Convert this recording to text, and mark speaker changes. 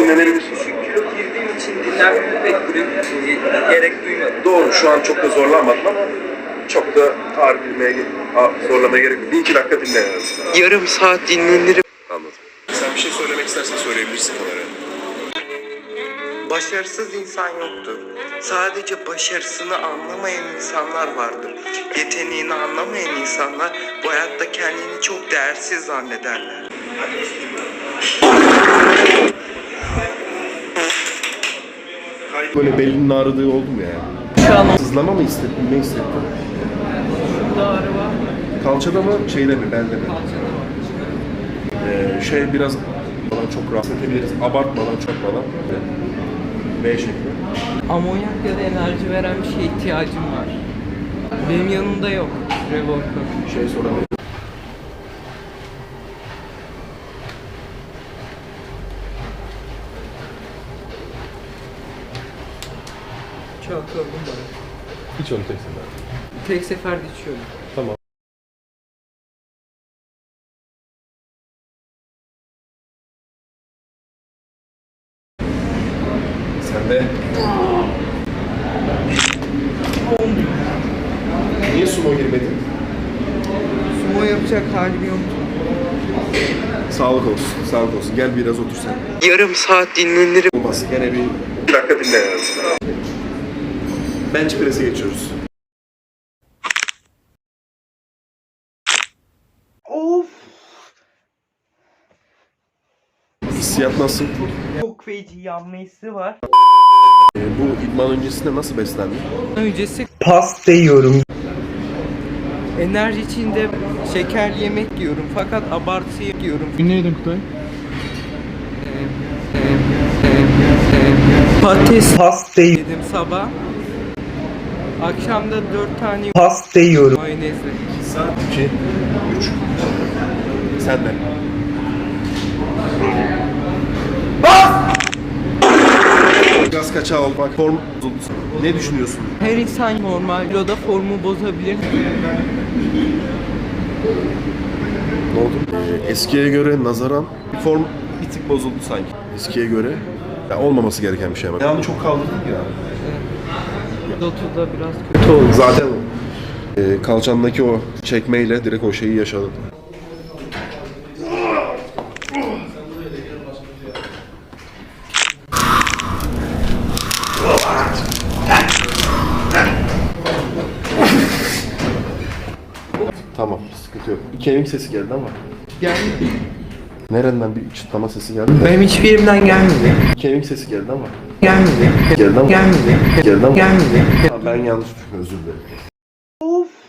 Speaker 1: tahmin edebilirsin.
Speaker 2: Çünkü girdiğim için dinlenmeye pek gerek duymadım.
Speaker 1: Doğru, şu an çok da zorlanmadım ama çok da tarif bilmeye, zorlamaya gerek yok. 1-2 dakika dinle yani.
Speaker 2: Yarım saat dinlenirim.
Speaker 1: Anladım. Sen bir şey söylemek istersen söyleyebilirsin kameraya.
Speaker 2: Başarısız insan yoktur. Sadece başarısını anlamayan insanlar vardır. Yeteneğini anlamayan insanlar bu hayatta kendini çok değersiz zannederler.
Speaker 1: Böyle belinin ağrıdığı oldu mu yani?
Speaker 2: Şu an
Speaker 1: Sızlama mı hissettin? Ne hissettin?
Speaker 2: şurada ağrı var.
Speaker 1: Kalçada mı? Şeyde mi? Belde mi?
Speaker 2: Kalçada var.
Speaker 1: Biraz falan çok rahatsız edebiliriz. Abartmadan, çokmadan. B şekli.
Speaker 2: Amonyak ya da enerji veren bir şeye ihtiyacım var. Benim yanımda yok. Revolver.
Speaker 1: Şey sorabilirim.
Speaker 2: Çalkalım bana.
Speaker 1: Hiç onu tek sefer.
Speaker 2: Tek seferde içiyorum.
Speaker 1: Tamam. Sen de... Niye sumo girmedin?
Speaker 2: Sumo yapacak halim yoktu.
Speaker 1: Sağlık olsun, sağlık olsun. Gel biraz otur sen.
Speaker 2: Yarım saat dinlenirim.
Speaker 1: Olmaz, gene bir dakika dinle yani. Bench press'e geçiyoruz.
Speaker 2: Of!
Speaker 1: Hissiyat nasıl?
Speaker 2: Çok feci yanma hissi var.
Speaker 1: Bu idman öncesinde nasıl beslendin?
Speaker 2: Öncesi pasta yiyorum. Enerji içinde şekerli yemek yiyorum fakat abartı yiyorum.
Speaker 3: Ne yedin Kutay?
Speaker 2: Patates pasta yedim sabah. Akşam da 4 tane pasta yiyorum. Mayonezle.
Speaker 1: 2 saat, 2, 3. Sen de. Gaz kaçağı olmak, form bozuldu. Ne düşünüyorsun?
Speaker 2: Her insan normal kiloda formu bozabilir.
Speaker 1: Ne oldu? Eskiye göre nazaran bir form bir tık bozuldu sanki. Eskiye göre ya olmaması gereken bir şey ama. Yani çok kaldırdık ya.
Speaker 2: Lotu'da biraz kötü oldu.
Speaker 1: Zaten kalçandaki o çekmeyle direkt o şeyi yaşadın. Tamam, sıkıntı yok. Bir kemik sesi geldi ama.
Speaker 2: Gelmedi.
Speaker 1: Nereden bir çıtlama sesi geldi de.
Speaker 2: Benim hiçbir yerimden gelmedi.
Speaker 1: Bir kemik sesi geldi ama.
Speaker 2: Gelmedi.
Speaker 1: Geldi ama.
Speaker 2: Gelmedi.
Speaker 1: Geldi ama.
Speaker 2: Gelmedi.
Speaker 1: Ha, ben yanlış, özür dilerim.
Speaker 2: Of.